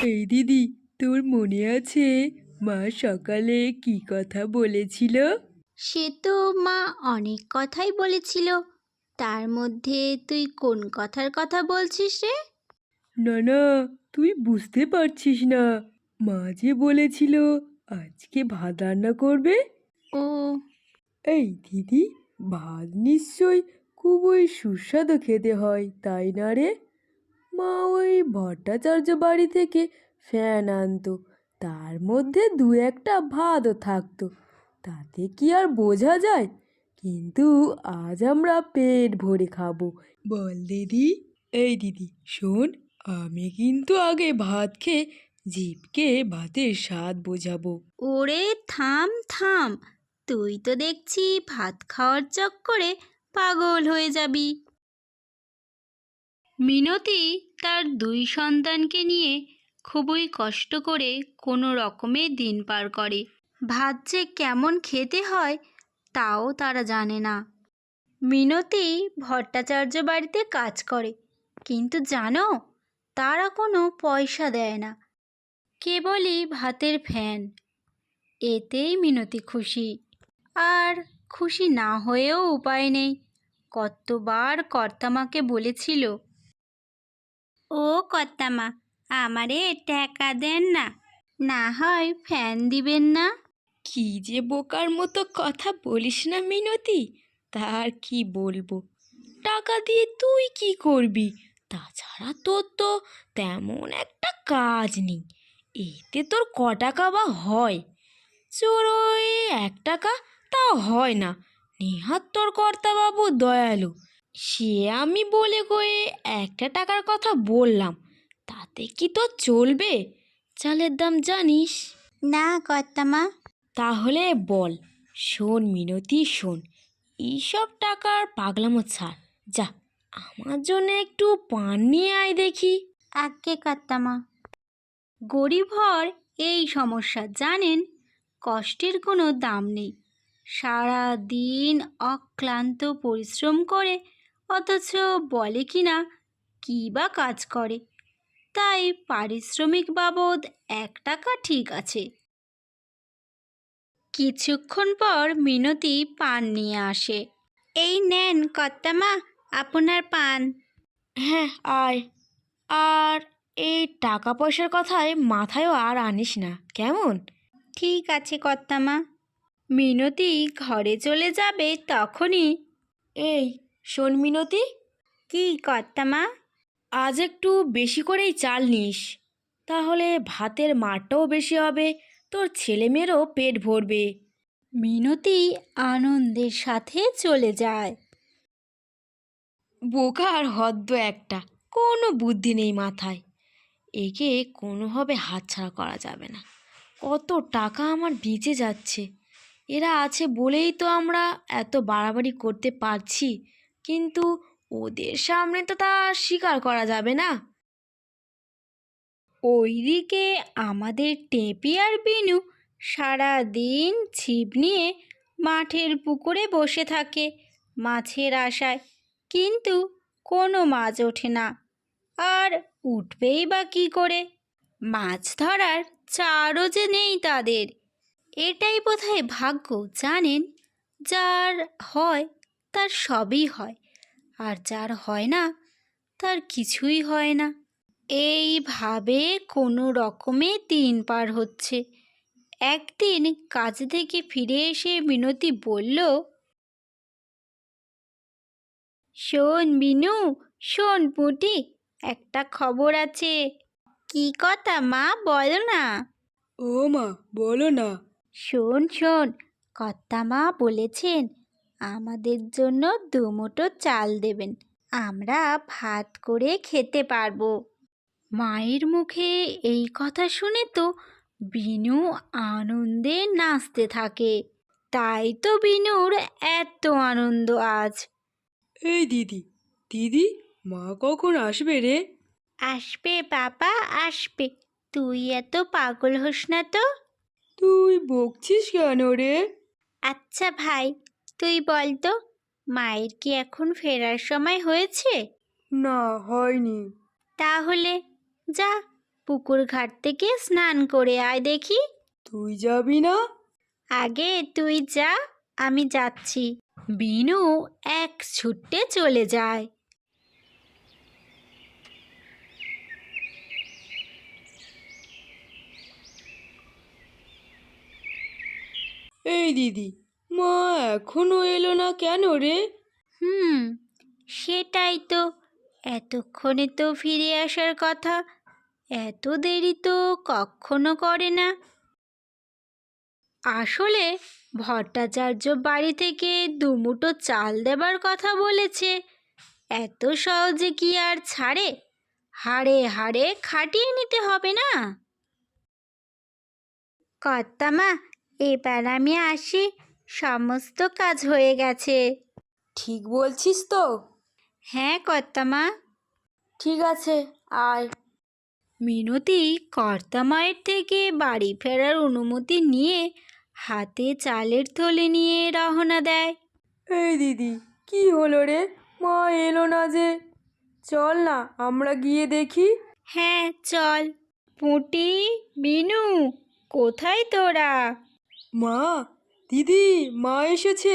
এই দিদি, তোর মনে আছে মা সকালে কি কথা বলেছিল? সে তো মা অনেক কথাই বলেছিল। তার মধ্যে তুই কোন কথার কথা বলছিস রে? না না, তুই বুঝতে পারছিস না। মা যে বলেছিল আজকে ভাত রান্না করবে। ও, এই দিদি, ভাত নিশ্চয় খুবই সুস্বাদু খেতে হয়, তাই না রে? মা ওই ভট্টাচার্য বাড়ি থেকে ফ্যান আনতো, তার মধ্যে দু একটা ভাতও থাকতো। তাতে কি আর বোঝা যায়? কিন্তু আজ আমরা পেট ভরে খাবো, বল দিদি। এই দিদি শোন, আমি কিন্তু আগে ভাত খেয়ে জিভকে ভাতের স্বাদ বোঝাবো। ওরে থাম থাম, তুই তো দেখছি ভাত খাওয়ার চক্করে পাগল হয়ে যাবি। মিনতি তার দুই সন্তানকে নিয়ে খুবই কষ্ট করে কোনো রকমে দিন পার করে। ভাত যে কেমন খেতে হয় তাও তারা জানে না। মিনতি ভট্টাচার্য বাড়িতে কাজ করে, কিন্তু জানো, তারা কোনো পয়সা দেয় না, কেবলই ভাতের ফ্যান। এতেই মিনতি খুশি। আর খুশি না হয়েও উপায় নেই। কতবার কর্তামাকে বলেছিল, ও কর্তামা, আমারে টাকা দেন না, না হয় ফ্যান দিবেন না। কি যে বোকার মতো কথা বলিস না মিনতি, তার কি বলবো। টাকা দিয়ে তুই কি করবি? তাছাড়া তোর তো তেমন একটা কাজ নেই। এতে তোর ক টাকা বা হয়? চোর ওই 1 টাকা, তাও হয় না। নেহাত তোর কর্তাবাবু দয়ালু, সে আমি বলে কয়ে 1 টাকার কথা বললাম, তাতে কি তোর চলবে? চালের দাম জানিস? না কর্তামা। তাহলে বল। শোন মিনতি শোন, এইসব টাকার পাগলামো ছাড়। যা, আমার জন্য একটু পান নিয়ে আয় দেখি। আজ্ঞে কর্তামা। গরিব হওয়ার এই সমস্যা জানেন, কষ্টের কোনো দাম নেই। সারা দিন অক্লান্ত পরিশ্রম করে, অথচ বলে কিনা কী বা কাজ করে। তাই পারিশ্রমিক বাবদ 1 টাকা ঠিক আছে। কিছুক্ষণ পর মিনতি পান নিয়ে আসে। এই নেন কর্তামা, আপনার পান। হ্যাঁ, আয়। আর এই টাকা পয়সার কথায় মাথায়ও আর আনিস না, কেমন? ঠিক আছে কর্তামা। মিনতি ঘরে চলে যাবে তখনই, এই শোন মিনতি, কি কর্তামা? আজ একটু বেশি করেই চাল নিস, তাহলে ভাতের মারটাও বেশি হবে, তোর ছেলেমেয়েরও পেট ভরবে। মিনতি আনন্দের সাথে চলে যায়। বোকা আর হদ্দ একটা, কোনো বুদ্ধি নেই মাথায়। একে কোনোভাবে হাতছাড়া করা যাবে না। কত টাকা আমার বেঁচে যাচ্ছে। এরা আছে বলেই তো আমরা এত বাড়াবাড়ি করতে পারছি, কিন্তু ওদের সামনে তো তা স্বীকার করা যাবে না। ওইদিকে আমাদের টেপি আর বিনু সারা দিন ছিপ নিয়ে মাঠের পুকুরে বসে থাকে মাছের আশায়, কিন্তু কোনো মাছ ওঠে না। আর উঠবেই বা কী করে? মাছ ধরার চারও যে নেই তাদের। এটাই বোধহয় ভাগ্য, জানেন। যার হয় তার সবই হয়, আর যার হয় না তার কিছুই হয় না। এইভাবে কোনো রকমে দিন পার হচ্ছে। একদিন কাজ থেকে ফিরে এসে মিনতি বলল, শোন বিনু, শোন পুঁটি, একটা খবর আছে। কি কথা মা, বলো না। ও মা, বলো না। শোন শোন, কর্তামা বলেছেন আমাদের জন্য 2 মুঠো চাল দেবেন, আমরা ভাত করে খেতে পারবো। মায়ের মুখে এই কথা শুনে তো বিনু আনন্দে নাচতে থাকে। তাই তো বিনুর এত আনন্দ আজ। এই দিদি, দিদি, মা কখন আসবে রে? আসবে বাবা, আসবে। তুই এত পাগল হোস না তো। তুই বকছিস কেন রে? আচ্ছা ভাই, তুই বল তো, মায়ের কি এখন ফেরার সময় হয়েছে? না, হয়নি। তাহলে যা, পুকুর ঘাট থেকে স্নান করে আয় দেখি। তুই যাবি না? আগে তুই যা, আমি যাচ্ছি। বিনু এক ছুটে চলে যায়। এই দিদি, মা এখনো এলো না কেন রে? সেটাই তো, এতক্ষণে তো ফিরে আসার কথা, এত দেরি তো কখনো করে না। আসলে ভট্টাচার্য বাড়ি থেকে দুমুঠো চাল দেবার কথা বলেছে, এত সহজে কি আর ছাড়ে? হাড়ে হাড়ে খাটিয়ে নিতে হবে না? কর্তামা, এবার আমি আসি, সমস্ত কাজ হয়ে গেছে। ঠিক বলছিস তো? হ্যাঁ কর্তামা। ঠিক আছে, আয়। মিনতি কর্তামায়ের থেকে বাড়ি ফেরার অনুমতি নিয়ে হাতে চালের থলে নিয়ে রওনা দেয়। এই দিদি, কি হলো রে? মা এলো না যে? চল না আমরা গিয়ে দেখি। হ্যাঁ চল। পুঁটি, বিনু, কোথায় তোরা? মা, দিদি, মা এসেছে।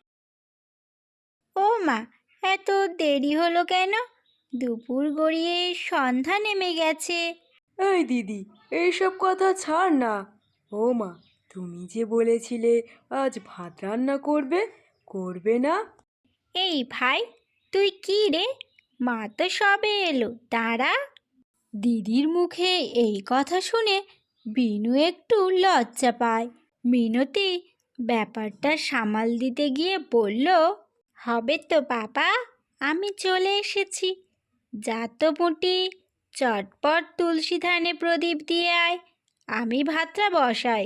ও মা, এত দেরি হলো কেন? দুপুর গড়িয়ে সন্ধ্যা নেমে গেছে। এই দিদি, এইসব কথা ছাড় না। ও মা, তুমি যে বলেছিলে আজ ভাত রান্না করবে, করবে না? এই ভাই, তুই কি রে? মা তো সবে এলো, দাঁড়া। দিদির মুখে এই কথা শুনে বিনু একটু লজ্জা পায়। মিনতি ব্যাপারটা সামাল দিতে গিয়ে বলল, হবে তো বাবা, আমি চলে এসেছি। যা তো পুঁটি, চটপট তুলসী ধানে প্রদীপ দিয়ে আয়, আমি ভাতটা বসাই।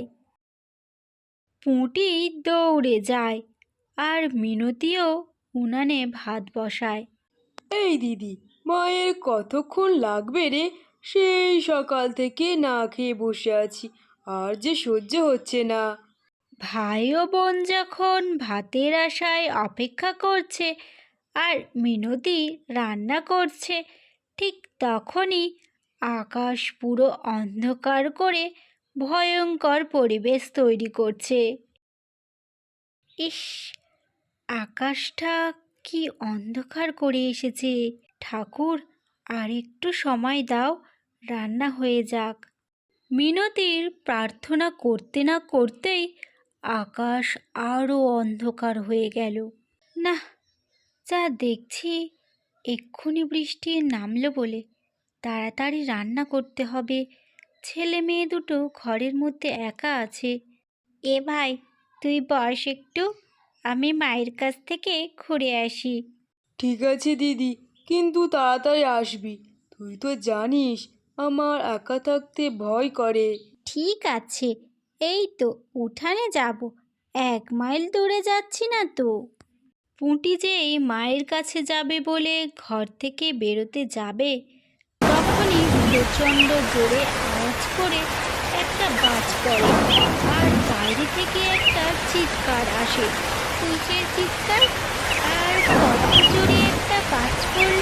পুঁটি দৌড়ে যায় আর মিনতিও উনানে ভাত বসায়। এই দিদি, মায়ের কতক্ষণ লাগবে রে? সেই সকাল থেকে না খেয়ে বসে আছি, আর যে সহ্য হচ্ছে না। ভাই ও বোন যখন ভাতের আশায় অপেক্ষা করছে আর মিনতি রান্না করছে, ঠিক তখনই আকাশ পুরো অন্ধকার করে ভয়ঙ্কর পরিবেশ তৈরি করছে। ইস, আকাশটা কি অন্ধকার করে এসেছে! ঠাকুর, আর একটু সময় দাও, রান্না হয়ে যাক। মিনতির প্রার্থনা করতে না করতেই আকাশ আরও অন্ধকার হয়ে গেল। না, যা দেখছি এক্ষুনি বৃষ্টি নামলো বলে তাড়াতাড়ি রান্না করতে হবে। ছেলে মেয়ে দুটো ঘরের মধ্যে একা আছে। এ ভাই, তুই বস একটু, আমি মায়ের কাছ থেকে ঘুরে আসি। ঠিক আছে দিদি, কিন্তু তাড়াতাড়ি আসবি। তুই তো জানিস আমার একা থাকতে ভয় করে। ঠিক আছে, এই তো উঠানে যাব, 1 মাইল দূরে যাচ্ছি না তো। পুঁটি যেই মায়ের কাছে যাবে বলে ঘর থেকে বেরোতে যাবে, তখনই প্রচণ্ড জোরে আওয়াজ করে একটা বাজ পড়ে আর বাইরে থেকে একটা চিৎকার আসে। কিসের চিৎকার? আর কত জোরে একটা বাজ পড়ল!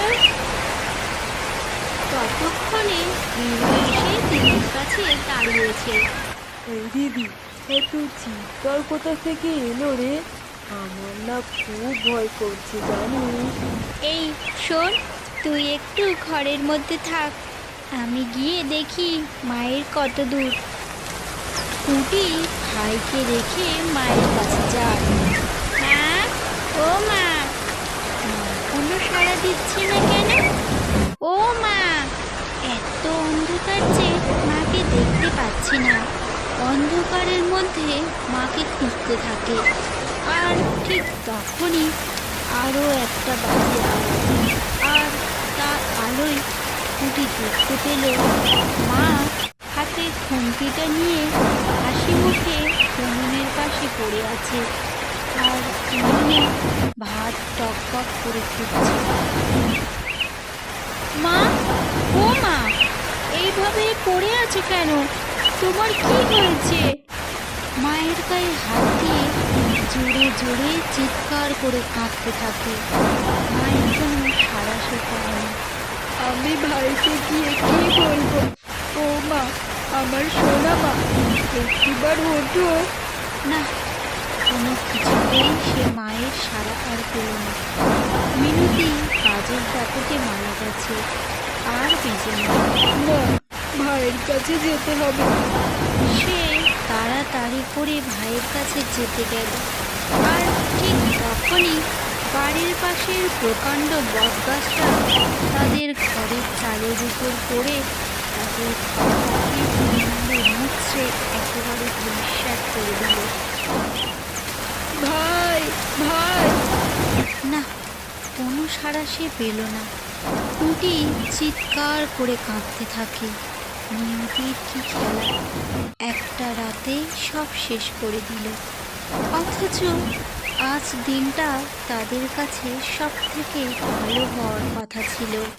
ততক্ষণে বিনু এসে দিদির কাছে দাঁড়িয়েছে। এই দিদি, এত চিৎকার কোথা থেকে এলো রে? আমার না খুব ভয় করছে জানিস। এই শোন, তুই একটু ঘরের মধ্যে থাক, আমি গিয়ে দেখি মায়ের কত দূর। পুঁটি ভাইকে রেখে মায়ের কাছে যায়। মা, ও মা, মা কোনো সাড়া দিচ্ছে না কেন? ও মা! এত অন্ধকার যে মাকে দেখতে পাচ্ছি না। অন্ধকারের মধ্যে মাকে খুঁজতে থাকে আর ঠিক তখনই আরও একটা বাজে আওয়াজ, আর তার আলোয় পুঁটি দেখতে পেল মা হাতে খুন্তিটা নিয়ে হাসি মুখে উনুনের পাশে পড়ে আছে, আর উনুনে ভাত টকবক করে ফুটছে। মা, ও মা, এইভাবে পড়ে আছো কেন? তোমার কি হয়েছে? মায়ের গায়ে হাত দিয়ে জোরে জোরে চিৎকার করে কাঁদতে থাকে। মায়ের কোনো সাড়া শোনা। আমি ভাইকে গিয়ে কি বলবো? ও আমার সোনা মা, একটিবার ওঠো। না, কোনো কিছুতেই সে মায়ের সাড়া আর পেল না। মিনতি কাজের দাপটে মারা গেছে, আর বেঁচে নেই। না, ভাইয়ের কাছে যেতে হবে। সে তাড়াতাড়ি করে ভাইয়ের কাছে যেতে গেল, আর ঠিক তখনই বাড়ির পাশের প্রকাণ্ড বটগাছটা তাদের ঘরের চালের উপর পড়ে তাদের মুচড়ে একেবারে ধূলিসাৎ করে দিল। ভাই, ভাই! না, কোনো সাড়া সে পেল না। টুটি চিৎকার করে কাঁদতে থাকে। নিয়তির কি খেলা, একটা রাতে সব শেষ করে দিল। অথচ আজ দিনটা তাদের কাছে সব থেকে ভালো হওয়ার কথা ছিল।